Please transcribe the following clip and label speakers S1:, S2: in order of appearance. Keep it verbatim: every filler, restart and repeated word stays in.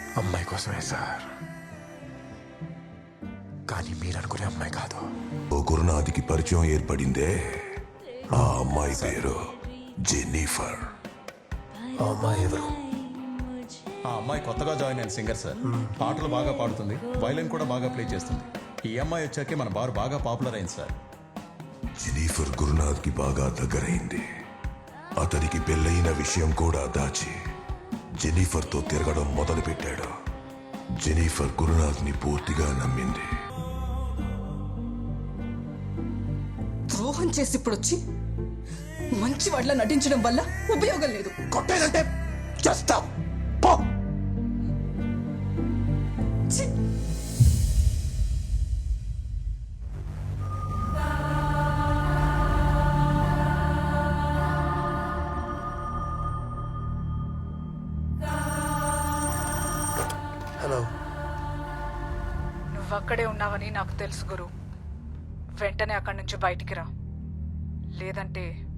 S1: అమ్మాయి కోసమే సార్, కానీ మీరు అనుకునే అమ్మాయి కాదు.
S2: ఓ గురునాథ్కి పరిచయం ఏర్పడిందే, ఆ అమ్మాయి పేరు జెన్నిఫర్.
S1: ఆ అమ్మాయి ఎవరు?
S3: ఆ అమ్మాయి కొత్తగా జాయిన్ అయిన సింగర్ సార్. పాటలు బాగా పాడుతుంది, వైలిన్ కూడా బాగా ప్లే చేస్తుంది. ఈ అమ్మాయి వచ్చాకే మన బార్ బాగా పాపులర్ అయింది సార్.
S2: జెన్నిఫర్ గురునాథ్కి బాగా దగ్గరైంది. అతనికి పెళ్ళయిన విషయం కూడా దాచి జెన్నిఫర్తో తిరగడం మొదలుపెట్టాడు. జెన్నిఫర్ గురునాథ్ని పూర్తిగా నమ్మింది.
S4: ద్రోహం చేసి ఇప్పుడు వచ్చి మంచి వాళ్ళ నటించడం వల్ల ఉపయోగం లేదు.
S1: కొట్టేదంటే చేస్తా పో.
S4: ఛీ!
S1: హలో.
S5: నువ్వక్కడే ఉన్నావని నాకు తెలుసు గురు. వెంటనే అక్కడి నుంచి బయటికి రా, లేదంటే